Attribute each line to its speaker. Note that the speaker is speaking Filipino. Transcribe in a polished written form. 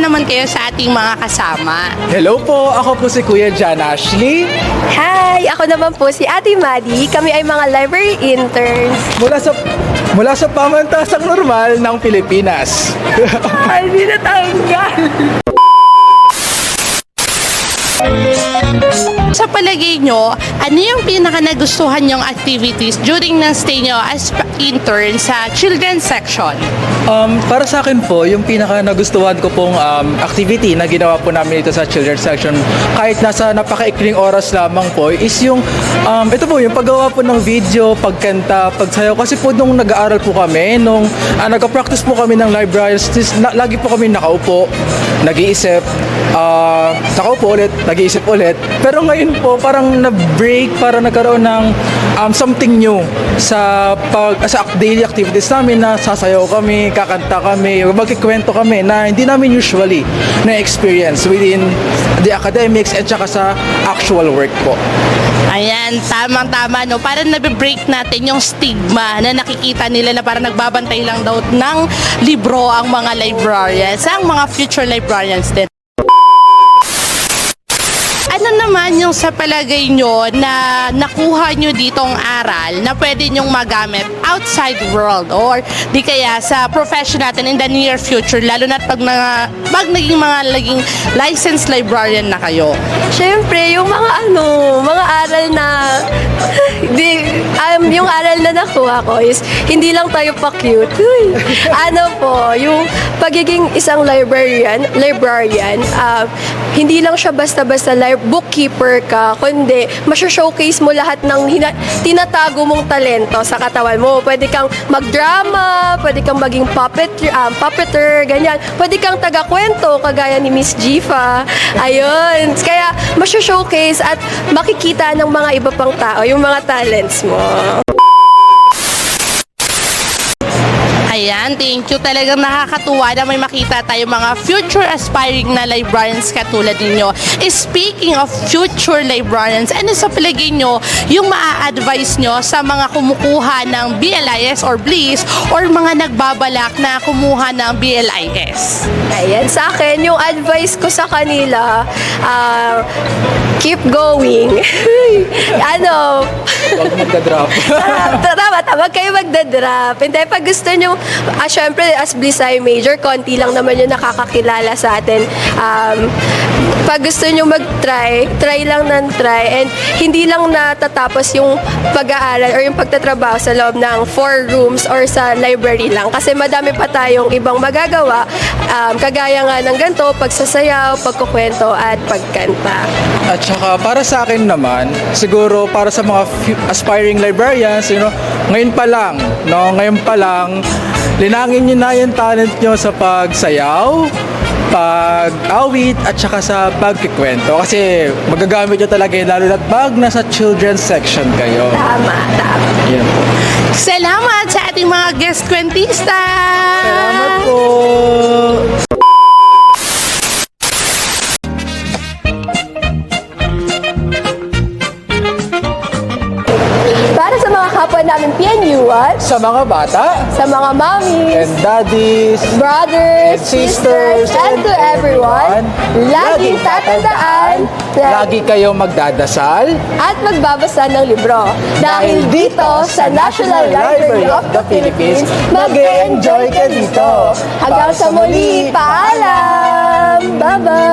Speaker 1: naman kayo sa ating mga kasama.
Speaker 2: Hello po, ako po si Kuya John Ashley.
Speaker 3: Hi! Ako naman po si Ate Maddie. Kami ay mga library interns.
Speaker 2: Mula sa pamantasang normal ng Pilipinas.
Speaker 3: Ay, hindi natanggal!
Speaker 1: Sa palagay nyo, ano yung pinaka nagustuhan nyong activities during ng stay nyo as intern sa children's section?
Speaker 2: Para sa akin po, yung pinaka nagustuhan ko pong activity na ginawa po namin dito sa children's section, kahit nasa napakaikling oras lamang po, is yung ito po, yung paggawa po ng video, pagkanta, pagsayaw. Kasi po nung nag-aaral po kami, nung nag-practice po kami ng libraries, lagi po kami nakaupo, nag-iisip, nakaupo ulit, nag-iisip ulit. Pero ngayon po, parang na-break, parang nagkaroon ng something new sa daily activities namin, na sasayaw kami, kakanta kami, magkikwento kami na hindi namin usually na-experience within the academics at saka sa actual work po.
Speaker 1: Ayan, tamang-tama, no? Parang nabibreak natin yung stigma na nakikita nila na parang nagbabantay lang daw ng libro ang mga librarians, ang mga future librarians din. Ano naman yung sa palagay nyo na nakuha nyo ditong aral na pwede nyong magamit outside world or di kaya sa profession natin in the near future, lalo na pag naging licensed librarian na kayo?
Speaker 3: Siyempre, yung mga aral na yung aral na nakuha ko is hindi lang tayo pa-cute. Uy. Yung pagiging isang librarian, hindi lang siya basta-basta bookkeeper ka, kundi masho-showcase mo lahat ng tinatago mong talento sa katawan mo. Pwede kang magdrama, pwede kang maging puppeter, ganyan. Pwede kang taga-kwento, kagaya ni Miss Jifa. Ayun. Kaya masho-showcase at makikita ng mga iba pang tao yung mga talents mo.
Speaker 1: Ayan, thank you. Talagang nakakatuwa na may makita tayo mga future aspiring na librarians katulad ninyo. Speaking of future librarians, ano sa palagay nyo yung maa-advise nyo sa mga kumukuha ng BLIS or BLIS or mga nagbabalak na kumuha ng BLIS?
Speaker 3: Ayan, sa akin, yung advice ko sa kanila, keep going.
Speaker 2: Huwag magdadrop.
Speaker 3: Tama, kayo magdadrop. Hindi, pag gusto nyo, syempre, as BLIS major, konti lang naman yung nakakakilala sa atin. Pag gusto nyo mag-try, try lang ng try. And hindi lang natatapos yung pag-aaral or yung pagtatrabaho sa loob ng 4 rooms or sa library lang. Kasi madami pa tayong ibang magagawa. Kagaya nga ng ganito, pagsasayaw, pagkukwento, at pagkanta.
Speaker 2: At saka para sa akin naman, siguro para sa mga aspiring librarians, ngayon pa lang, linangin nyo na yung talent nyo sa pagsayaw, pag-awit, at saka sa pagkikwento. Kasi magagamit nyo talaga yun, lalo na pag nasa children's section kayo.
Speaker 3: Tama.
Speaker 2: Yan po.
Speaker 1: Salamat sa ating mga guest kwentista!
Speaker 2: Salamat po!
Speaker 3: Para sa mga kapwa namin PNUan,
Speaker 2: Sa mga bata,
Speaker 3: sa mga mommies,
Speaker 2: and daddies,
Speaker 3: brothers,
Speaker 2: and sisters,
Speaker 3: and to everyone, laging tatandaan na
Speaker 2: lagi kayong magdadasal
Speaker 3: at magbabasa ng libro. Dahil dito sa National Library of the Philippines, mag-enjoy ka dito. Hanggang sa muli, paalam! Bye-bye!